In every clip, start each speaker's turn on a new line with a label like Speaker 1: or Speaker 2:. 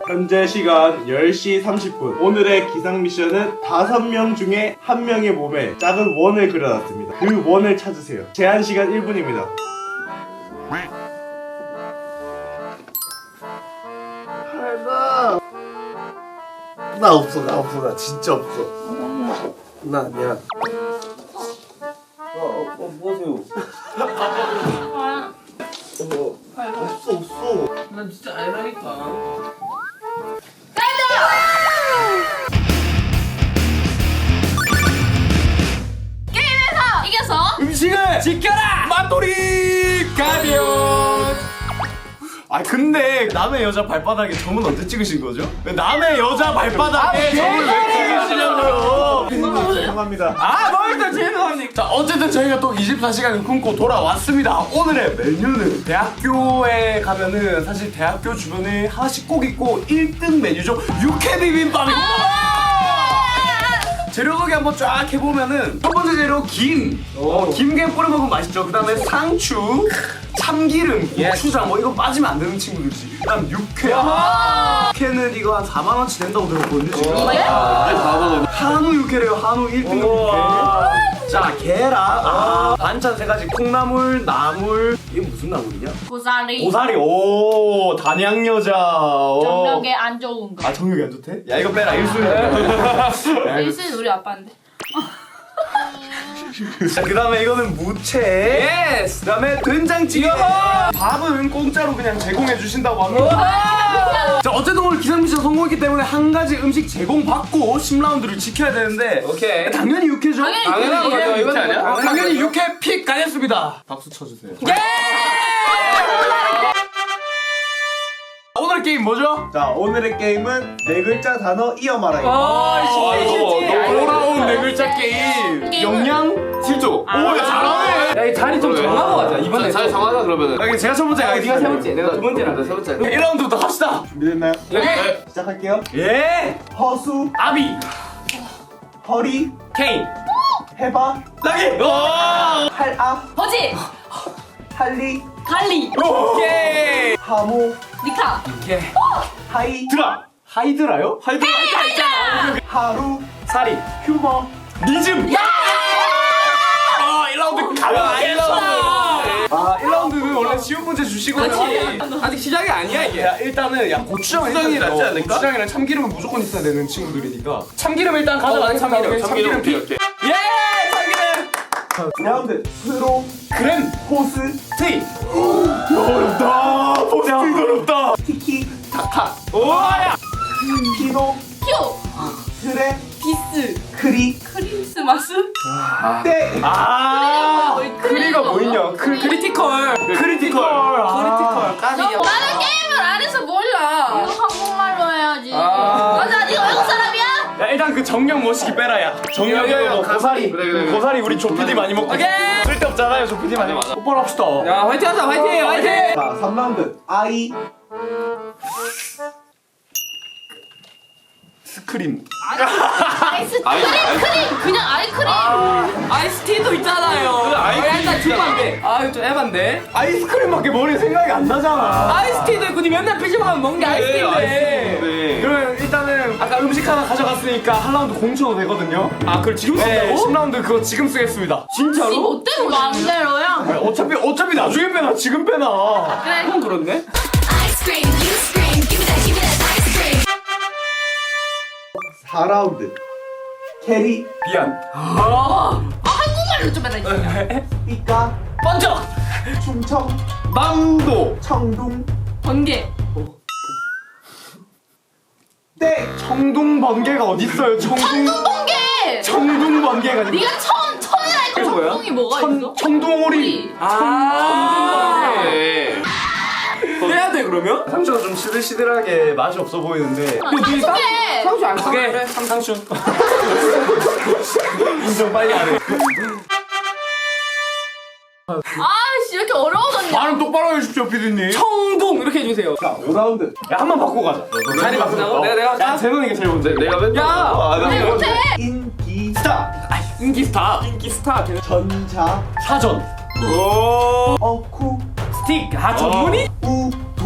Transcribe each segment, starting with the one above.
Speaker 1: 현재 시간 10시 30분. 오늘의 기상 미션은 5명 중에 1명의 몸에 작은 원을 그려놨습니다. 그 원을 찾으세요. 제한 시간 1분입니다.
Speaker 2: 나 없어, 나 진짜 없어. 나 아니야.
Speaker 3: 뭐하세요?
Speaker 2: 없어.
Speaker 3: 난 진짜 아니라니까.
Speaker 4: 게임에서 이겨서
Speaker 5: 음식을 지켜라! 맛돌이 가디언! 아 근데 남의 여자 발바닥에 점은 언제 찍으신 거죠? 왜 남의 여자 발바닥에 점을 왜 찍으시냐고요?
Speaker 1: 죄송합니다.
Speaker 5: 아, 뭘또 죄송합니까? 자, 어쨌든 저희가 또 24시간을 굶고 돌아왔습니다. 오늘의 메뉴는 대학교에 가면은 사실 대학교 주변에 하나씩 꼭 있고 1등 메뉴죠. 육회 비빔밥입니다. 재료 소개 한번 쫙 해보면은 첫 번째 재료 김. 김게 뿌려 먹으면 맛있죠. 그 다음에 상추, 참기름, 고추장 뭐 이거 빠지면 안 되는 친구들이지. 그 다음 육회. 육회는 이거 한 4만원치 된다고 들었거든요 지금. 한우 육회래요. 한우 1등급 육회. 자, 계란. 반찬 3가지. 콩나물, 나물. 이게 무슨 나물이냐?
Speaker 4: 고사리
Speaker 5: 고사리. 오, 단양 여자.
Speaker 4: 정력에 안 좋은 거.
Speaker 5: 아, 정력이 안 좋대? 야, 이거 빼라. 1순위.
Speaker 4: 일순 우리 아빠인데.
Speaker 5: 자, 그 다음에 이거는 무채. 예스. 그 다음에 된장찌개. 밥은 공짜로 그냥 제공해 주신다고 합니다. 자, 어쨌든 오늘 기상미션 성공했기 때문에 한 가지 음식 제공받고 10라운드를 지켜야 되는데.
Speaker 3: 오케이.
Speaker 5: 당연히 육회죠?
Speaker 4: 당연한
Speaker 3: 거죠. 육회 아니야?
Speaker 5: 당연히 육회 픽 가겠습니다. 박수 쳐주세요. 오늘 게임 뭐죠?
Speaker 1: 자, 오늘의 게임은 4글자 단어 이어 말하기.
Speaker 5: 돌아온 4글자 게임. 영양
Speaker 3: 실조.
Speaker 5: 오, 야, 잘하네.
Speaker 3: 야, 이 자리 좀 정하고 가자. 이번에 자리 정하자 그러면은.
Speaker 5: 여기 제가 첫 번째
Speaker 3: 네가
Speaker 5: 가겠습니다.
Speaker 3: 세 번째, 내가 두 번째라. 세 번째.
Speaker 5: 1라운드부터 갑시다.
Speaker 1: 준비됐나요?
Speaker 3: 네.
Speaker 1: 시작할게요.
Speaker 5: 예.
Speaker 1: 허수,
Speaker 5: 아비.
Speaker 1: 허리,
Speaker 5: 케인.
Speaker 1: 해바,
Speaker 5: 나기.
Speaker 1: 할압,
Speaker 4: 버지
Speaker 1: 할리,
Speaker 4: 갈리
Speaker 5: 오케이.
Speaker 1: 하모,
Speaker 4: 니카
Speaker 1: 하이,
Speaker 5: 드라. 하이드라요? 하이드라.
Speaker 1: 하루,
Speaker 5: 사리.
Speaker 1: 휴머.
Speaker 5: 니즘. 야! 1라운드 가볍게. 1라운드는 원래 쉬운 문제 주시거든요.
Speaker 3: 아직 시작이 아니야 이게.
Speaker 5: 야, 일단은 고추장은
Speaker 3: 고추장이
Speaker 5: 일단
Speaker 3: 낫지 않을까?
Speaker 5: 고추장이랑 참기름은 무조건 있어야 되는 친구들이니까. 참기름 일단 가져가. 참기름 피. 예! 참기름.
Speaker 1: 라운드 프로,
Speaker 5: 그램.
Speaker 1: 호스,
Speaker 5: 티. 어렵다. 포스트 어렵다.
Speaker 1: 티키,
Speaker 5: 오야.
Speaker 1: 피노,
Speaker 4: 큐
Speaker 1: 트레,
Speaker 4: 비스
Speaker 1: 크리,
Speaker 4: 크리스마스
Speaker 1: 때.
Speaker 5: 크리가 뭐 있냐? 크리티컬.
Speaker 4: 나는 게임을 안 해서 몰라. 이거 한국말로 해야지. 맞아, 네가 외국 사람이야?
Speaker 5: 야, 일단 그 정령 모시기 빼라야. 정령이고 고사리.
Speaker 3: 그래.
Speaker 5: 고사리 우리 조피디 많이 먹고. 쓸데없잖아요, 조피디 많이 먹고. 똑바로 합시다.
Speaker 3: 야, 화이팅 하자. 화이팅.
Speaker 1: 자, 3라운드 아이,
Speaker 5: 스크림.
Speaker 4: 아이스크림 그냥 아이크림.
Speaker 3: 아이스티도 있잖아요. 일단 주면 안 돼. 아, 좀 에반데.
Speaker 5: 아이스크림밖에 머리에 생각이 안 나잖아.
Speaker 3: 아이스티도 있고 니 맨날 PC방만 먹는 게 아이스티인데.
Speaker 5: 그러면 일단은 아까 음식 하나 가져갔으니까 한 라운드 공쳐도 되거든요.
Speaker 3: 아, 그걸 지금
Speaker 5: 네,
Speaker 3: 쓴다고?
Speaker 5: 10라운드 그거 지금 쓰겠습니다.
Speaker 4: 이 못되고 마음대로야.
Speaker 5: 아니, 어차피 나중에 빼나 지금 빼나.
Speaker 4: 그래.
Speaker 3: 형 그렇네.
Speaker 6: Ice cream, you scream, give me that ice cream.
Speaker 1: 4라운드 캐리,
Speaker 5: 미안.
Speaker 4: 한국말로 좀 해라.
Speaker 1: 삐까,
Speaker 3: 번쩍.
Speaker 1: 충청,
Speaker 5: 망도.
Speaker 1: 청둥,
Speaker 4: 번개.
Speaker 1: 때.
Speaker 5: 청둥 번개가 어딨어요?
Speaker 4: 번개.
Speaker 5: 청둥 번개가 아니고
Speaker 4: 네가 천이라 했고
Speaker 5: 뭐야?
Speaker 4: 청둥이 뭐가 있어?
Speaker 5: 청둥오리.
Speaker 3: 해야 돼 그러면?
Speaker 5: 상추가 좀 시들시들하게 맛이 없어 보이는데.
Speaker 4: 상수해.
Speaker 3: 상수 안 쓰게.
Speaker 5: 그래, 상추. 인정 빨리 하네.
Speaker 4: 아씨 이렇게 어려워졌냐?
Speaker 5: 발음 똑바로 해주십시오, 피디님.
Speaker 3: 청동 이렇게 해주세요.
Speaker 1: 자, 5라운드
Speaker 5: 야, 한 번 바꾸고 가자.
Speaker 3: 자리 바꾸자고? 내가
Speaker 5: 야, 재능이가 제일 먼저.
Speaker 3: 내가 맨. 야.
Speaker 4: 내 못해.
Speaker 1: 인기,
Speaker 5: 스타.
Speaker 3: 인기 스타.
Speaker 1: 전자,
Speaker 5: 사전.
Speaker 1: 어쿠,
Speaker 3: 스틱. 아 전문이?
Speaker 1: 우두,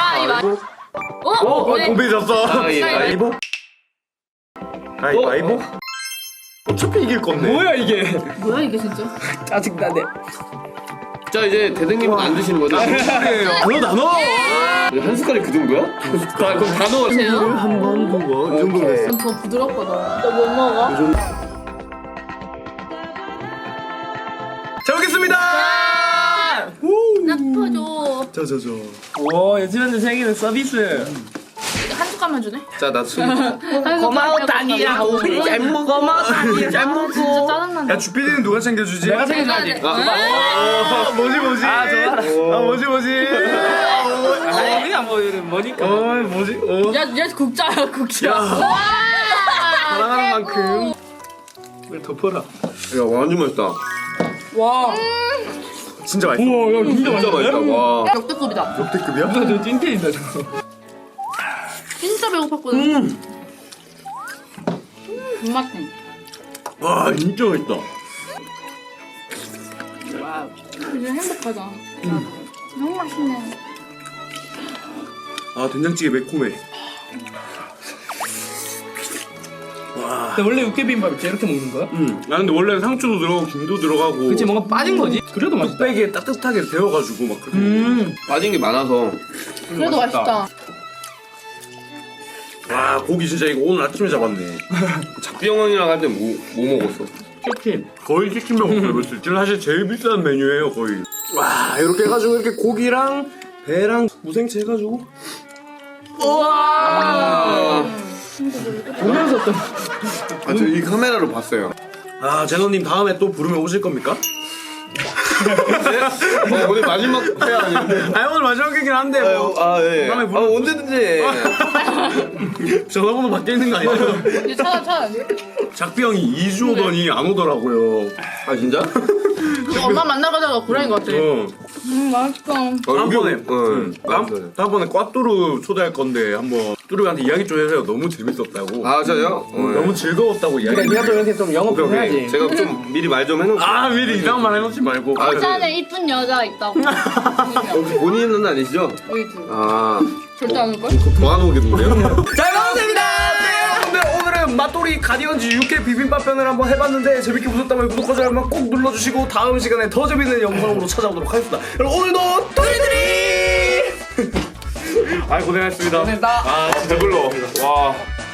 Speaker 4: 가위바위보. 왜?
Speaker 5: 고비 졌어.
Speaker 2: 가위바위보. 가위바위보.
Speaker 5: 어차피 이길 건데. 뭐야 이게?
Speaker 4: 뭐야 이게 진짜?
Speaker 3: 짜증나네.
Speaker 2: 자 이제 대등님은 안 드시는 거죠?
Speaker 5: 나눠.
Speaker 2: 한 숟갈이 그 정도야? 자 그럼 다 넣어.
Speaker 4: 보세요.
Speaker 5: 한번 두고 이 정도 됐어.
Speaker 4: 좀 더 부드럽거든. 너 못 먹어?
Speaker 5: 잘 먹겠습니다.
Speaker 4: 나 퍼줘.
Speaker 5: 저저저.
Speaker 3: 오, 요즘에는 생기는 서비스.
Speaker 4: 이거 한 숟갈만 주네.
Speaker 2: 자나 술.
Speaker 4: 고마워 다니야. 우리 잘 먹어. 고마워 다니야. 잘 먹어. 진짜 짜증난다.
Speaker 5: 야 주피디는 누가 챙겨주지?
Speaker 3: 내가 생각나지.
Speaker 5: 뭐지?
Speaker 3: 아 좋아라.
Speaker 5: 뭐지?
Speaker 3: 아니 뭐 뭐니까.
Speaker 5: 뭐지?
Speaker 4: 야얘 국자야 국자.
Speaker 5: 사랑하는 만큼
Speaker 2: 이걸 덮어라. 야 완전 맛있다.
Speaker 4: 와.
Speaker 5: 진짜 맛있어.
Speaker 3: 우와 야 진짜
Speaker 2: 진짜 맛있다. 와.
Speaker 4: 역대급이다.
Speaker 5: 역대급이야?
Speaker 3: 저 찐텐이다 저거.
Speaker 4: 진짜 배고팠거든. 맛있네.
Speaker 2: 와 진짜 맛있다.
Speaker 4: 와우. 이제 행복하다. 너무 맛있네.
Speaker 5: 아 된장찌개 매콤해.
Speaker 3: 근데 원래 육개비빔밥 이렇게 먹는 거야?
Speaker 5: 아 근데 원래 상추도 들어가고 김도 들어가고.
Speaker 3: 그치 뭔가 빠진 거지? 그래도 맛있다.
Speaker 5: 뚝배기에 따뜻하게 데워가지고 막 그렇게.
Speaker 2: 빠진 게 많아서.
Speaker 4: 그래도 맛있다.
Speaker 5: 와 고기 진짜 이거 오늘 아침에 잡았네.
Speaker 2: 작비 형이랑 할 때 뭐 먹었어?
Speaker 3: 치킨.
Speaker 5: 거의 치킨 먹었어요. 지금 사실 제일 비싼 메뉴예요 거의. 와 이렇게 해가지고 이렇게 고기랑 배랑 무생채 해가지고.
Speaker 3: 보면서 또.
Speaker 2: 아 저 이 카메라로 봤어요.
Speaker 5: 아 제노님 다음에 또 부르면 오실 겁니까?
Speaker 2: 오늘 마지막 회 아니에요?
Speaker 5: 아 오늘 마지막이긴 한데 뭐
Speaker 2: 예.
Speaker 5: 다음에
Speaker 2: 아
Speaker 5: 부르면
Speaker 2: 언제든지.
Speaker 5: 전화번호 바뀌어 있는 거 아니에요?
Speaker 4: 이제 찾아.
Speaker 5: 작비 형이 2주 오더니 안 오더라고요.
Speaker 2: 아 진짜?
Speaker 4: 엄마 만나가다가 고라인 것 같아. 맛있다.
Speaker 5: 다음번에
Speaker 2: 맞아요.
Speaker 5: 다음번에 꽈뚜루 초대할 건데 한번 뚜루한테 이야기 좀 해서요. 너무 재밌었다고.
Speaker 2: 아 저요?
Speaker 5: 너무 즐거웠다고 이야기.
Speaker 3: 그러니까 니가 또 이렇게 좀 영업 좀 해야지.
Speaker 2: 제가 좀 미리 말 좀 해놓을게요.
Speaker 5: 아 미리 이상한 말 해놓지 말고.
Speaker 2: 아,
Speaker 4: 부산에 이쁜 여자 있다고.
Speaker 2: 혹시 본인은 아니시죠?
Speaker 4: 우리 둘.
Speaker 2: 아
Speaker 4: 절대 안 올 걸?
Speaker 2: 더 안 오겠는데요?
Speaker 5: 잘 먹었습니다. 네, 여러분들 오늘은 맛돌이 가디언즈 육회 비빔밥 편을 한번 해봤는데 재밌게 보셨다면 구독과 좋아요만 꼭 눌러주시고 다음 시간에 더 재밌는 영상으로 찾아오도록 하겠습니다. 여러분 오늘도 도리들이. 아이 고생하셨습니다.
Speaker 3: 고생했다.
Speaker 5: 아 진짜 배불러. 와.